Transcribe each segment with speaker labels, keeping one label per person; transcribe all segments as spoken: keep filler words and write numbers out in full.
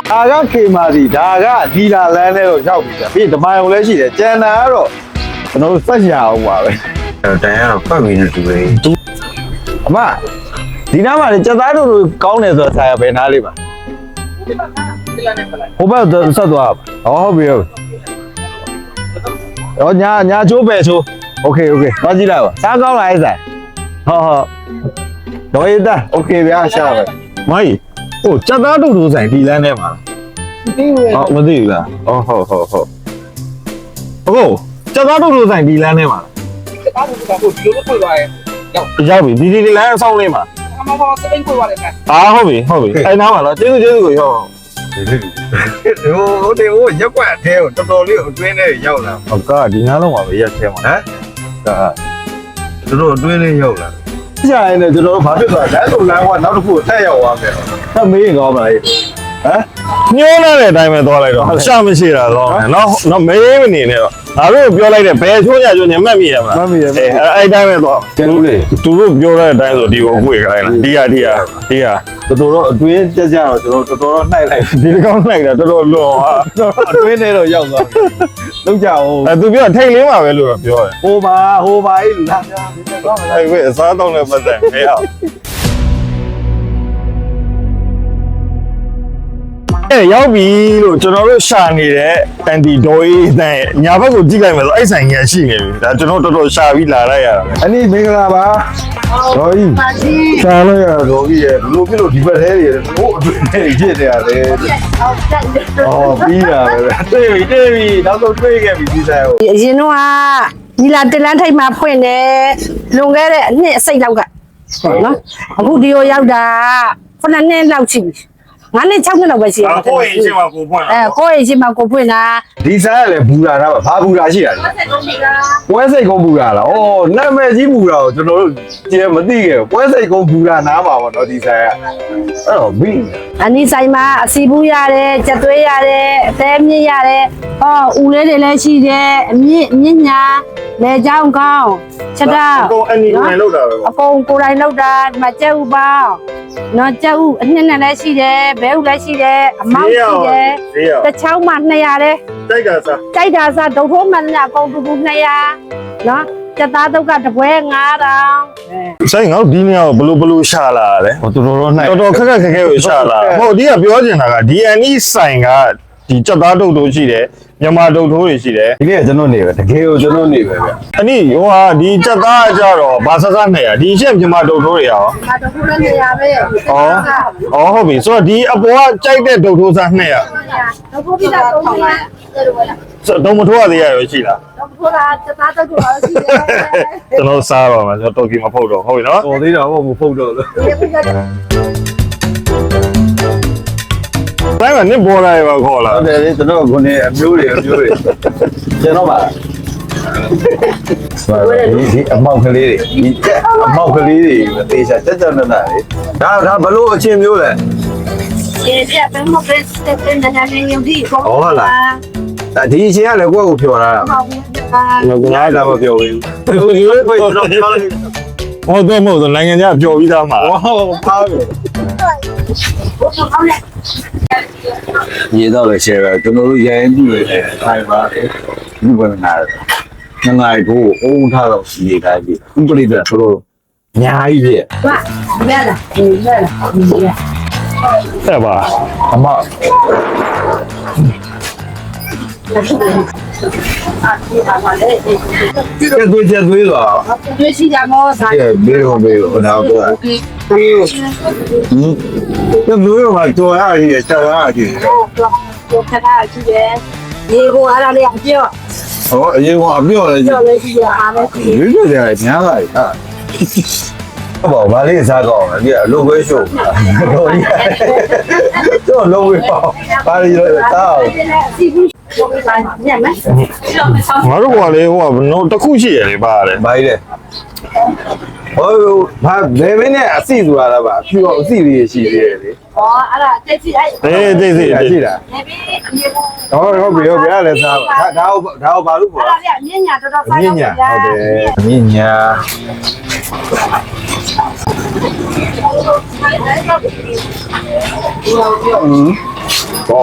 Speaker 1: ဒါကခေမာစီဒါကဒီလာလန်းနဲ့တော့ရောက်ပြီပြီးဓမိုင်ုံလည်းရှိတယ်ကျန်တာကတော့ကျွန်တော်တို့စက်ရအောင်ပါပဲ
Speaker 2: တန်ရတော့ပတ်ပြီးနေတူတယ်
Speaker 1: အမဒီနားမှာလေစက်သားတို့ကောင်းတယ်ဆိုတော့ဆရာဘယ်နားလေးပါဟိုဘက်ဆက်သွားပါဟုတ်ပြီဟုတ်တော့ညာညာချိုးပဲချိုးโอเคโอเคသွားကြည့်လိုက်ပါစားကောင်းလားအဲ့ဆိုင်ဟုတ်ဟုတ်တော့ရတာโอเคဗျာရှာပဲမိုင်းဟိုစက်သားတို့တို့ဆိုင်ဒီလမ်းထဲမှာမသိဘူးဟုတ်မသိဘူးလားဟုတ်ဟုတ်ဟုတ်ဟုတ်ဟုတ်စက်သားတို့တို့ဆိုင်ဒီလမ်းထဲမှာ
Speaker 3: စက်သားတို့ကဟိုဒီလိုဖွင့်သွားရဲ့
Speaker 1: ရောက်ပြီဒီဒီလမ်းအဆောင်လေးမှာ
Speaker 3: အမဘောစပိန်ဖွင့်သွားတယ်ခင်
Speaker 1: ဗျာဟုတ်ပြီဟုတ်ပြီအဲ့နားမှာတော့ကျေးဇူးကျေးဇူးကိုရောက်
Speaker 2: ဒီဟိုဒီဟိုရက်ွက်အထဲကိုတော်တော်လေးအတွင်းထဲရောက်လာ
Speaker 1: ဟုတ်ကဒီနားလုံးမှာပဲရက်ထဲမှာ
Speaker 2: ဟမ်ဒါတော်တော်အတွင်းလေးရောက်လာ
Speaker 1: ကြာရင်လည်းကျွန်တော်တို့ဘာဖြစ်သွားလဲဆိုလမ်းကနောက်တစ်ခုထက်ရောက်သွားမယ်ဟဲ့မေးကောင်းပါလေဟမ်ညှိုးလာတဲ့အတိုင်းပဲသွားလိုက်တော့ရှာမရှိတာတော့နော်နော်မေးမနေနဲ့တော့ငါတို့ပြောလိုက်တဲ့ဘယ်ချိုးရချိုးညမှတ်မိရမလားမှတ်မိရအဲအဲ့အတိုင်းပဲသွားကျန်လို့လေသူတို့ပြောတဲ့အတိုင်းဆိုဒီကိုအကွေခိုင်းလားဒီဟာဒီဟာဒီဟာတော်တော်တော့အတွင်းကြကြတော့ကျွန်တော်တော်တော်တော့နှိုက်လိုက်ဒီကောင်နှိုက်တာတော်တော်လွန်ဟာအတွင်းထဲတော့ရောက်သွားပြီလုံးကြအောင်အဲသူပြောထိတ်လေးမှာပဲလို့တော့ပြောတယ်ဟိုပါဟိုပါအေးလူလားပြောဒီကောင်းလားအဲ့အစားတော့လည်းပတ်တယ်မဲအောင်အဲရောက်ပြီလို့ကျွန်တော်တို့ရှာနေတဲ့အန်တီဒေါ်အေးတန်းညာဘက်ကိုကြည့်လိုက်မယ်ဆိုအဲ့ဆိုင်ကြီးရှိနေပြီဒါကျွန်တော်တော်တော်ရှာပြီးလာလိုက်ရတာအနည်းမင်္ဂလာပါဒေါ်ကြီးရှာလိုက်ရဒေါ်ကြီးရဲ့ဘလို့ပြလို့ဒီဘက်ထဲတွေဟိုအတွင်းထဲဖြစ်နေရတယ်အော်ပြီးတာပဲတွေ့ပြီတွေ့ပြီနောက်ဆုံးတွေ့ခဲ့ပြီဒီဆိုင်ကို
Speaker 4: အရင်တော့ညီလာတလန်းထိပ်မှာဖွင့်တယ်လွန်ခဲ့တဲ့အနှစ်အစိတ်လောက်ကနော်အခုဒီကိုရောက်တာခုနှစ်နှစ်လောက်ရှိပြီငါးနှစ်ခြောက်နှစ်လောက်ပဲရှိတယ်
Speaker 1: ကိုယ့်အိမ်ရှိမှာကိုဖွင့်
Speaker 4: အဲကိုယ့်အိမ်ရှိမှာကိုဖွင့်တာ
Speaker 1: ဒီဆိုင်ကလည်းဘူရာတာဘာဘူရာရှိတာလဲပွဲစိတ်ကုန်းဘူရာလားဩနာမည်ကြီးဘူရာကိုကျွန်တော်တို့ကျဲမသိခဲ့ဘူးပွဲစိတ်ကုန်းဘူရာနားမှာပေါ့နော်ဒီဆိုင်ကအဲ့တော့ဘီ
Speaker 4: အနီးဆိုင်မှာအစီဘူးရတယ်ကြက်သွေးရတယ်အသေးမြင့်ရတယ်ဟောဦးလေးတွေလည်းရှိတယ်အမြင့်မြင့်ညာလေချောင်းကောင်းချက်တာ
Speaker 1: အကုန်အနီကိုယ်လောက်တာပဲ
Speaker 4: အကုန်ကိုယ်တိုင်လောက်တာဒီမှာကြက်ဥပေါင်းနော်ကြက်ဥအနှစ်နဲ့လည်းရှိတယ်ဘဲဥလည်းရှိတယ်အမောက်ရှိတယ်တစ်ချောင်းမှနှစ်ရာတဲ့
Speaker 1: ကြိုက်တာစား
Speaker 4: ကြိုက်တာစားဒုတ်ထိုးမှန်တဲ့အကုန်တူတူနှစ်ရာနော်ကြက်သားတုတ်ကတပွဲငါးတောင်
Speaker 1: ဆိုင်ငါတို့ဒီနေရာကိုဘလို့ဘလို့ရှာလာတယ်ဟိုတော်တော်တော့နိုင်တော်တော်ခက်ခက်ခက်ခဲကိုရှာလာဟုတ်ဒီကပြောချင်တာက ဒီ အန် အီ ဆိုင်ကဒီကြက်သားတုတ်တို့ရှိတယ်မြန်မာတုတ်ထိုးတွေရှိတယ်ဒီနေ့ကကျွန်တော်နေပဲတကယ်ကိုကျွန်တော်နေပဲဗျအနည်းဟိုဟာဒီကြက်သားကြတော့ဘာဆဆနဲ့ရဒီရှက်မြန်မာတုတ်ထိုးတွေရော
Speaker 4: မြန်မာတုတ်ထိုးလည်းနေရပဲဩ
Speaker 1: ဩဟုတ်ပြီဆိုတော့ဒီအပေါ်ကကြိုက်တဲ့တုတ်ထိုးစားနှစ်ရ
Speaker 4: တုတ်ထိုးပြီးတာတုတ်ထိုးလား
Speaker 1: ဆိုတော့မထိုးရသေးရရောရှိလား
Speaker 4: တုတ်ထိုးတာကြက်သားတုတ်ထိုးလည်းရှိတယ်
Speaker 1: ကျွန်တော်စားပါမယ်ကျွန်တော်တုတ်ကြီးမဖုတ်တော့ဟုတ်ပြီနော်
Speaker 2: တော်သေးတာဟုတ်မဖုတ်တော့လို့
Speaker 1: တိုင်းမှာနစ်ပေါ်လာရပါခေါ်လာ
Speaker 2: ဟုတ်တယ်လေကျွန်တော်ခုနေအမျိုးတွေအမျိုးတွေကျွန်တော်ပါဒီဒီအမောက်ကလေးတွေဒီအမောက်ကလေးတွေသေချာတက်တက်နနာလေဒါဒါဘလို့အချင်းမျိုးလဲ
Speaker 4: ဒီပြတ်ဘယ်မှာပဲစတက်တဲ့နာနေရုံဒီကော
Speaker 2: ဟုတ်လားဒါဒီအချင်းကလည်းကိုယ့်ကိုဖြော်လာတာ
Speaker 1: ဟုတ်ကဲ့
Speaker 2: ငါတော့မပြောဘူး
Speaker 1: ဟုတ်ကဲ့ဟုတ်တော့မဟုတ်နိုင်ငံခြားပျော်ပြီးသားမှာ
Speaker 2: ဟုတ်ပါဘူးရေတော့လည်းရှယ်ပဲကျွန်တော်တို့ရိုင်းပြည့်တယ်ထိုင်ပါဒီဘက်နာငငိုင်ကိုအုံထားတော့ရေတိုင်းပြီဥပဒေကဆိုတော့အများကြီးပြည့်
Speaker 4: ဟာရလာဒီရလာဒီရ
Speaker 1: ဆက်ပါအမ
Speaker 2: ကျေသွေးကျေသွေးတော့
Speaker 4: ကျွေးရှိကြမောစား
Speaker 2: ကျေဘေးရောဘေးရောတော့တော့ဟင်းကျေသွေးကတော့ရရချက်ရကြည့်
Speaker 4: တော့ခဏကြည့်တယ်ရေကိုအားရလေးအပြော့
Speaker 2: ဟောအရင်ကအပြော့လေ
Speaker 4: ပြော့လေးရှိရအားလေး
Speaker 2: ရွေးရွေးတယ်ညားလိုက်ဟာဟုတ်ပါဘာလေးစားကောင်းလဲဒီအလုပ်ပဲရှုပ်တော့ဒီတော့လုံးဝပေါ့ဘာလို့လဲတောက်
Speaker 1: ငါတို့ကလေဟိုကနော်တစ်ခုရှိရလေပါတယ်
Speaker 2: ဘာကြီးလဲဟိုဘာဘယ်မင်းနဲ့အစီဆိုတာလားဗျအဖြူအောင်အစီလေးရှိသေးတယ်လေ
Speaker 4: ဟောအဲ့ဒါတက်စီအဲ့
Speaker 1: အေးတက်စီ
Speaker 2: ရှိတာ
Speaker 4: နေပြီးအမြေပေါ်
Speaker 2: ဟုတ်ဟုတ်ပြီဟုတ်ပြီအဲ့လည်းစားပါဒါဒါဒါဘာလို့ပေါ့
Speaker 4: အဲ့ဒါပြမြင့်ညာတော်တော်စား
Speaker 2: ရမြင့်ညာဟုတ်တယ်မြင့်ညာอืม
Speaker 1: ဟော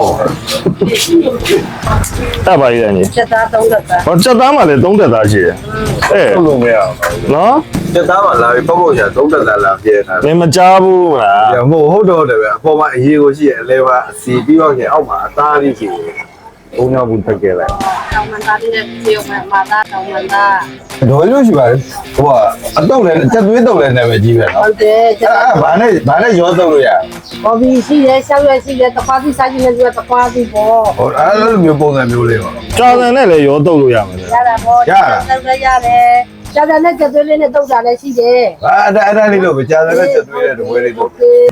Speaker 1: တက်ပါရည်တယ်ညီ
Speaker 4: ချက်သားသုံးသက်သား
Speaker 1: ဟောချက်သားမှလည်းသုံးတက်သားရှိတယ်အဲ
Speaker 2: ဟုတ်လို့မရ
Speaker 1: နော်
Speaker 2: ဘူးတက်သားမှလာပြီးပေါ့ပေါ့ချာသုံးတက်သားလာပြဲထား
Speaker 1: သင်မကြားဘူးလား
Speaker 2: တယ်မဟုတ်ဟုတ်တော့တယ်ပဲအပေါ်မှာအရေးကိုရှိရဲ့အလဲပါအစီပြီးတော့ကျအောက်မှာအသားလေးရှိတယ်ဘုံရောက်ဘူးတက်ခဲ့လိုက်
Speaker 4: တောင်မန်သားလေးနဲ့ပြေုံမှာမာသားတောင်မန်သား
Speaker 2: တော်လို့ရှိပါတယ်ဟိုကအတော့လည်းချက်သွေးတော့လည်းနာမည်ကြီးပဲ
Speaker 4: ဟု
Speaker 2: နော်
Speaker 4: တ်တယ်ချက်
Speaker 2: အဲ့ဘာနဲ့ဘာနဲ့ရောတော့လို့ရ
Speaker 4: ဘော်ဘီရှိတယ်ရှောက်ရွက်ရှိတယ်တခွားပြီးစားကြည့်နေပြီးတော့တခွားပြီးပေါ့
Speaker 2: ဟိုအဲ့လိုမျိုးပုံစံမျိုးလေးပါ
Speaker 1: ကြာစံနဲ့လည်းရောတုတ်လို့ရမယ်လေ
Speaker 4: ရတာပေါ့တုတ်လည်းရတယ်ကျန်တဲ့နဲ့ချက်သွေးလေးနဲ့တုတ်တာလည်းရှိတယ်
Speaker 2: အဲ့ဒါအဲ့ဒါလေးလို့ပဲကြားတယ်ချက်သွေးတဲ့ဝဲလေးလို့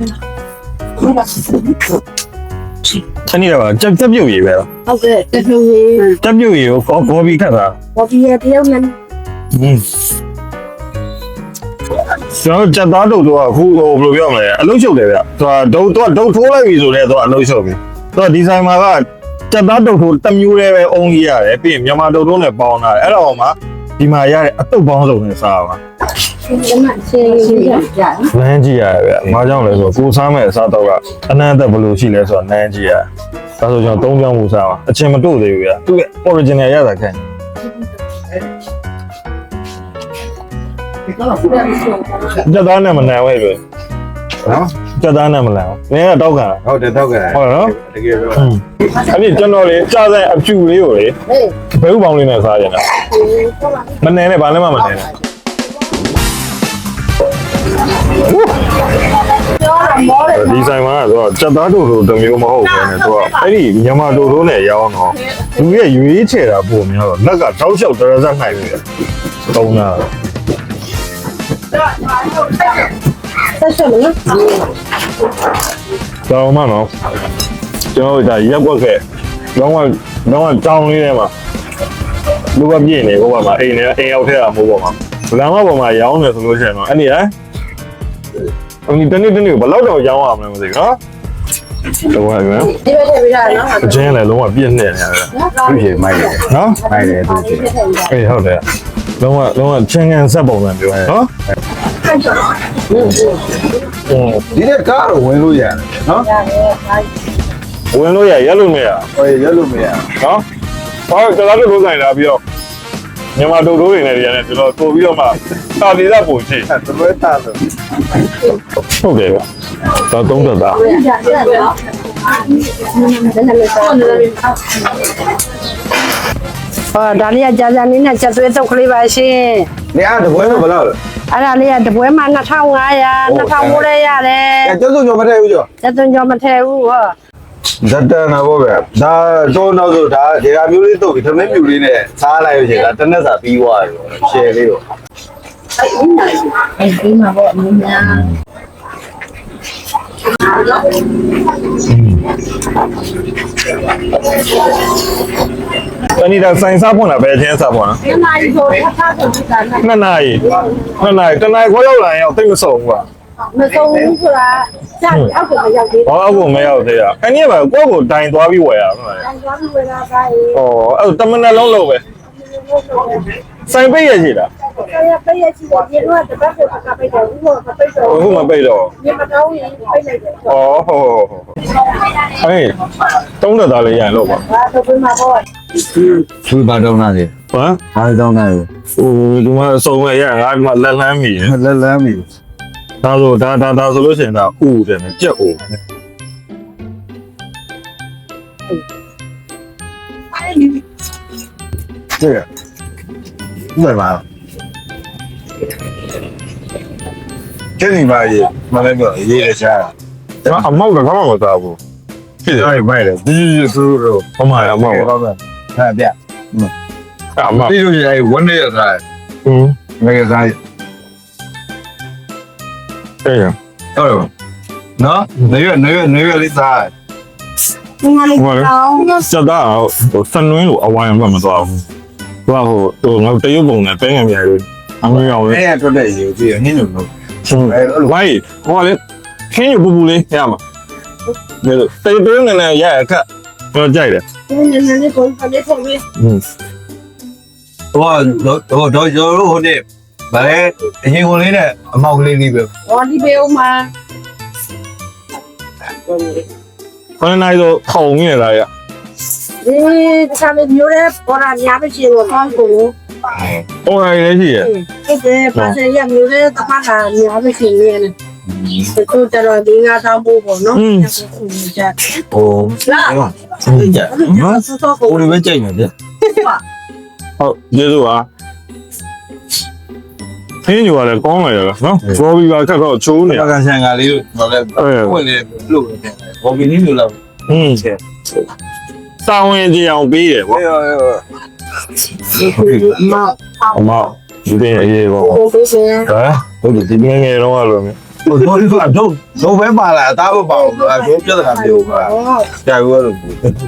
Speaker 1: ခဏနေတော့ကြက်ကြက်ပြုတ်ရည်ပဲလား
Speaker 4: ဟုတ်ကဲ့တဖြူကြီး
Speaker 1: ကြက်ပြုတ်ရည်ကိုကောကောပြီးခတ်တာ
Speaker 4: ဘော်ဘီရဲ့တယောက်နဲ့
Speaker 1: อืมကျွန်တော်ကြက်သားတုတ်တော့အခုဟိုဘယ်လိုပြောမလဲအလုံးချုပ်တယ်ဗျသူကဒုတ်တော့ဒုတ်ထိုးလိုက်ပြီဆိုတော့သူကအလုံးချုပ်ပြီသူကဒီဇိုင်မှာကကြက်သားတုတ်ထိုးတစ်မျိုးတည်းပဲအုံးကြီးရတယ်ပြီးရင်မြန်မာတုတ်ထိုးနဲ့ပေါင်းတာအဲ့တော့မှဒီမှာရတဲ့အတုတ်ပေါင်းစုံနဲ့စားပါ
Speaker 4: ဒီမှာရှင်းရှင်းကြကြ
Speaker 1: နန်းကြည့်ရတယ်ဗျ။ဘာကြောင့်လဲဆိုတော့ကိုစားမဲ့အစားတော့ကအနန္တဘယ်လိုရှိလဲဆိုတော့နန်းကြည့်ရတယ်။ဒါဆိုကျွန်တော်သုံးပြောင်းမှုစားပါအချင်းမတို့သေးဘူးဗျ။သူ့ရဲ့ original ရတာခိုင်း။ကြက်သားနဲ့မနန်ဝဲပဲ
Speaker 2: နော်
Speaker 1: ။ကြက်သားနဲ့မနန်ဘူး။နင်းကတောက်ခံတာ
Speaker 2: ဟုတ်တယ်တော့ကဲ
Speaker 1: ဟုတ်နော်
Speaker 2: တကယ်ပြော
Speaker 1: ။အဲ့ဒီကျွန်တော်လေကြားဆိုင်အဖြူလေးကိုလေ
Speaker 4: ဟေး
Speaker 1: ဘဲဥပေါင်းလေးနဲ့စားကြတာ။မနန်နဲ့ဘာလည်းမမနန်နဲ့
Speaker 4: ပြောတာမောတယ်
Speaker 1: ဒီဆိုင်မှာကတော့ကြက်သားတို့လိုတစ်မျိုးမဟုတ်ဘူးနဲ့သူကအဲ့ဒီမြန်မာတို့တို့နဲ့ရောင်းတော့လူရဲ့ရွေးချယ်တာပုံများတော့လက်ကတောက်လျှောက်တရဇက်နိုင်ပြီတုံးတာ
Speaker 4: ဆက်ဆက်မနော်
Speaker 1: တော့မှနော်ကျွန်တော်ဒါရက်ွက်ခဲ့တော့ကတော့တောင်းလေးထဲမှာလူကပြည့်နေဘုရားမှာအိမ်နဲ့အိမ်ရောက်ထဲတာမဟုတ်ပါဘူးလမ်းမပေါ်မှာရောင်းနေဆိုလို့ရှိရင်တော့အဲ့ဒီဟမ်အင်းတနေ့တနေ့ဘယ်လောက်တော့ရောင်းရမလဲမသိဘူးနော်တော့ရမယ်
Speaker 4: ဒီဘက်ထည့်ပေးတာနော်
Speaker 1: အချင်းလည်းလုံးဝပြည့်နေတယ်ဗျာ
Speaker 2: သူ့ရေမိုက်တယ်
Speaker 1: နော်
Speaker 2: မိုက်တယ်သူ့ရေ
Speaker 1: အေးဟုတ်တယ်လုံးဝလုံးဝချင်းကန်ဆက်ပုံစံပြောနော်
Speaker 2: ဒီတဲ့ကားတော့ဝင်လို့ရတယ်နော်
Speaker 1: ဝင်လို့ရရက်လို့မရ
Speaker 2: ဟိုရက်လို့မရ
Speaker 1: နော်ဘာလို့ကျွန်တော်တို့လိုဆိုင်လာပြီးတော့မြန်မာတို့တို့တွေနဲ့ရတယ်ကျွန်တော်တိုးပြီးတော့မှတာလီသက်ပုံရှိ
Speaker 2: အဲ့တော်တော်တာလို့
Speaker 1: ဟုတ်တယ်ဗျတော့သုံးသက်သား
Speaker 4: ဟောဒါလေးကကြာကြာလေးနဲ့ချက်သွေးတုတ်ကလေးပါရှင်
Speaker 2: နေအားတပွဲတော့ဘယ်လောက်လဲ
Speaker 4: အဲ့ဒါလေးကတပွဲမှာနှစ်ထောင်ငါးရာနှစ်ထောင်မိုးလဲရတယ်
Speaker 2: အဲကျောက်စုံကျော်မထည့်ဘူးကျော်
Speaker 4: ချက်သွင်းကြောမထည့်ဘူးဟော
Speaker 2: ဇတ်တန်နာပေါ့ဗျာဒါတော့နောက်ဆိုဒါဒီဟာမျိုးလေးတုတ်ပြီးသမင်းပြူလေးနဲ့စားလိုက်လို့ရှိရင်ဒါတစ်နက်စာပြီးသွားပြီပေါ့ရှယ်လေးတော့
Speaker 4: အဲ့ဒီမှာပေါ့အင်းများ
Speaker 1: တနည်းတော့ဆိုင်စားဖွင့်တာပဲအချင်းစားဖွင့်တာ
Speaker 4: ဒီမှာဒီကိုထပ်ထပ်ပြီးတာနဲ့
Speaker 1: နှစ်နာရီနှစ်နာရီတနာရီခွဲရောက်လာရင်တော့တိတ်မစုံဘူးကွာ
Speaker 4: မဆုံးဘူးဆိုတာကြာအောက်ကမရောက်သေး
Speaker 1: ဟောအခုမရောက်သေးရအဲ့ဒီကပဲကိုယ့်ကိုတိုင်သွားပြီးဝယ်ရမှာ
Speaker 4: ဘူး။သွားပြီးဝယ်လာပါလေ
Speaker 1: ဟောအဲ့တမန်လုံးလုံးပဲဆိုင်ပိတ်ရရှိလား
Speaker 4: ။ဆရာပေးရချင်တယ်ဒီတော့တပတ်ကိုကပိတ်တယ်ဦးကမပိတ်တော့
Speaker 1: အခုမပိတ်တော့
Speaker 4: ဒီမကောင်းရင်ပိတ်လိုက်တယ်
Speaker 1: ဩဟုတ်ဟုတ်ဟေးတုံးသက်သားလေးရရင်လို့ပါ
Speaker 4: ။ဘာတော့ပြန်မှာပေါ့
Speaker 2: သူဘာတော့နာလေ
Speaker 1: ဟမ်
Speaker 2: ဘာတော့နာလေ
Speaker 1: ဟိုဒီမှာအစုံမဲ့ရငါဒီမှာလက်လန်းမိတယ်
Speaker 2: လက်လန်းပြီ
Speaker 1: ဒါဆိုဒါဒါဒါဆိုလို့ရှိရင်ဒါဥတယ်နဲ့ကြက်ဥ
Speaker 2: 这个为嘛？这里吧也买那个也得下，
Speaker 1: ဒါအမောက်တော့ဘာမှမစားဘူးဖြစ်တယ်
Speaker 2: 那里卖的，这就是猪肉，
Speaker 1: ဟောမှာအမောက်
Speaker 2: 老板看遍，
Speaker 1: အမောက်
Speaker 2: 这就是哎闻的也菜，
Speaker 1: อืม
Speaker 2: 那个菜，
Speaker 1: တဲ့ရ
Speaker 2: 哎呦，喏，那个那个那个的菜，
Speaker 4: ။ဒီမှာလေးကောင်း
Speaker 1: စက်သားဟိုစနွင်းလိုအဝိုင်းဘက်မသွားဘူးသူကဟိုဟိုငါတရုပ်ပုံနဲ့ပဲငယ်ပြရိုးအမေရောပဲ
Speaker 2: 哎呀，做这有这个很有弄，
Speaker 1: 哎ဝိုင်းဟိုလေခင်းရပူပူလေးရမှာဒါလို့တရုပ်တရုပ်နဲ့ရရခက်တော့ကြိုက်တယ်
Speaker 4: ။ဒီနေ့နေ့ကိုဖလေးထုတ်ပြီး
Speaker 1: อืม
Speaker 2: 我我我我有肉的，把那银红的呢，毛个里边，
Speaker 4: ဟောဒီဘေးဦးမှာ
Speaker 1: ခဏနိုင်တော့ထုံနေလားရ
Speaker 4: ဒီတခြားမျိုးတွေပေါ်လာများမရှိတော့ကောင်းကို
Speaker 1: ဟိုနိုင်လည်းရှိရ
Speaker 4: အဲ့ဒါပါစေရမျိုးတွေတပတ်လာများမရှိနေတယ်သူတို့တော့ဒီငါတောင်းဖို့ပေါ့နော်ကြက်
Speaker 2: ဟို
Speaker 4: လာ
Speaker 2: စိတ်ကြနော်
Speaker 4: စစောကို
Speaker 2: ဟိုလိုပဲကြိုက်နေတယ်
Speaker 1: ဟုတ်ကျေးဇူးပါခင်းညိုရတယ်ကောင်းလိုက်ရလားနော်ဘောဘီပါခက်တော့ချိုးနေ
Speaker 2: ပကဆန်ကလေးကိုတော့လည်းဝင်လေလို့ဘောဘီနီလိုလောက်
Speaker 1: ဟင်းစောင်းရင်ကြအောင်ပေးတယ်ပေါ့
Speaker 4: မ
Speaker 1: အမဒီတဲ့အေးပေါ့
Speaker 4: ဟိုပေးစင်
Speaker 1: ဟမ်ဟုတ်တယ်ဒီငယ်ငယ်တော့လို့မျိုး
Speaker 2: ဟိုတော့ဒီကတော့တော့ပဲပါလာအသားမပေါဘူးအကျိုးပြဿနာမျိုးပါကြာဘူးလို့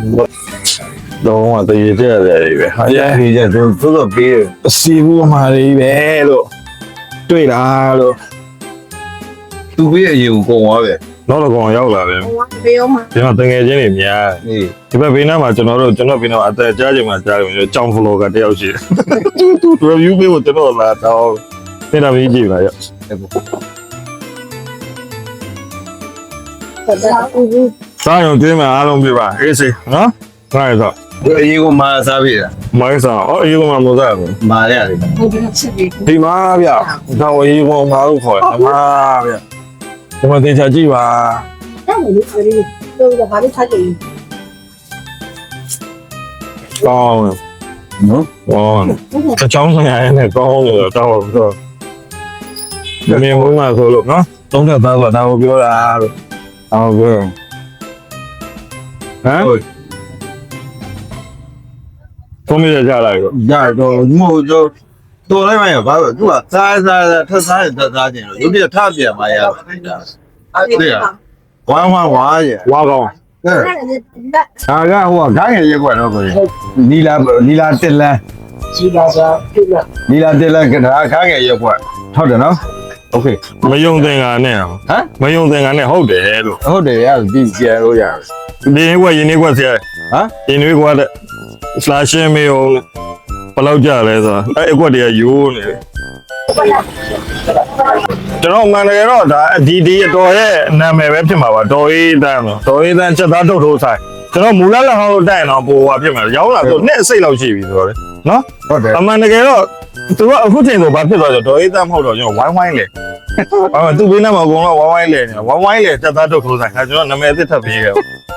Speaker 1: တော့တည်ကြရတယ်ပဲဟာ
Speaker 2: အဲ့ဒီကျတော့သူတို့ပေးတယ်
Speaker 1: အစီဘူးမှာလေးပဲလို့တွေ့လားလို့
Speaker 2: သူပေးအရင်ကိုကုန်သွားပဲ
Speaker 1: နောက်တော့ကောင်ရောက်လာတယ်
Speaker 4: ဟိုပေးအောင်မ
Speaker 1: ကျွန်တော်တငယ်ချင်းတွေများ
Speaker 2: အေး
Speaker 1: ဒီဘက်ဘေးနားမှာကျွန်တော်တို့ကျွန်တော်ဘေးနားမှာအသက်ကြားချိန်မှာကြားတယ်ကြောင်ဖလောကတယောက်ရှိတယ်သူသူ review ပေးဖို့ကျွန်တော်လာတော့နေတော့ကြီးကြည့်ပါရော စားရုံကျွေးမှာအားလုံးပြပါအေးစေနော်ငါရတော့
Speaker 2: ဒီအရင်ကမာစားပြီလား
Speaker 1: မိုင်းစားအော်အေးကမှမစားဘူး
Speaker 2: မာရတယ်
Speaker 4: ဟိုဒီချက်ပြီး
Speaker 1: ဒီမှာဗျတော့အေးကမှလို့ခေါ်တယ်အမဗျဒီမှာတင်ချာကြည့်ပါ
Speaker 4: အဲ့ဒီလေးတော့ဘာလို့ထိုက်လဲ
Speaker 1: ကောင်း
Speaker 2: နော်
Speaker 1: ကောင်းအချောင်းဆိုင်ရတဲ့ကောင်းလို့တော့တော့မမြင်ဘူးမှဆိုလို့နော်သုံးသက်သားဆိုတာကိုပြောတာလို့အော်ပြောဟမ်
Speaker 2: ဟုတ်
Speaker 1: ဖုန်းလေးကြလိုက်တော့
Speaker 2: ရတော့မဟုတ်တော့တော်လိုက်မှရပါတော့သူကစားစားထပ်စားထပ်စားခြင်းလို့ရုပ်ပြထပြန်မှရပါအဲ့ဒါအဲ့ဒါဝမ်းဝမ်းဝါရ
Speaker 1: ဝါကောင်း
Speaker 2: ကဲဒါကဟိုကခိုင်းရရက်ွက်တော့ကိုနီလာနီလာတက်လန်း
Speaker 4: ကြီးလာစားပြလာ
Speaker 2: နီလာတက်လန်းကဒါခိုင်းရရက်ွက်ဟုတ်တယ်နော်โอเค
Speaker 1: မယုံသင်္ကာနဲ့ဟ
Speaker 2: ဟမ်
Speaker 1: မယုံသင်္ကာနဲ့ဟုတ်တယ်လို့
Speaker 2: ဟုတ်တယ်ရပြီပြန်လို့ရတယ်
Speaker 1: ဒီနေ့ကရင်းနေကွက်ဆရာ
Speaker 2: ဟမ်
Speaker 1: ရင်းနေကွက်တဲ့ slash မေးအောင်ဘယ်လောက်ကြလဲဆိုတာအဲ့အကွက်တွေကယိုးနေတယ်ကျွန်တော်မှန်တယ်တော့ဒါဒီဒီအတော်ရဲ့နာမည်ပဲဖြစ်မှာပါတော်အေးတန်းတော့တော်အေးတန်းချက်သားထုတ်ထိုးဆိုင်ကျွန်တော်မူလလဟောင်းတိုင်တော့ပိုဟွာဖြစ်မှာရောက်လာတော့နှစ်အစိတ်လောက်ရှိပြီဆိုတော့လေနော်
Speaker 2: ဟုတ်တယ်
Speaker 1: အမှန်တကယ်တော့သူကအခုချိန်ဆိုဘာဖြစ်သွားကြဒေါ်အေးတန်းမဟုတ်တော့ကျွန်တော်ဝိုင်းဝိုင်းလေဟာသူဘေးနားမှာအကုန်လုံးဝိုင်းဝိုင်းလေနေဝိုင်းဝိုင်းလေချက်သားထုတ်ထိုးဆိုင်ခါကျွန်တော်နာမည်အစ်စ်ထပ်ပေးခဲ့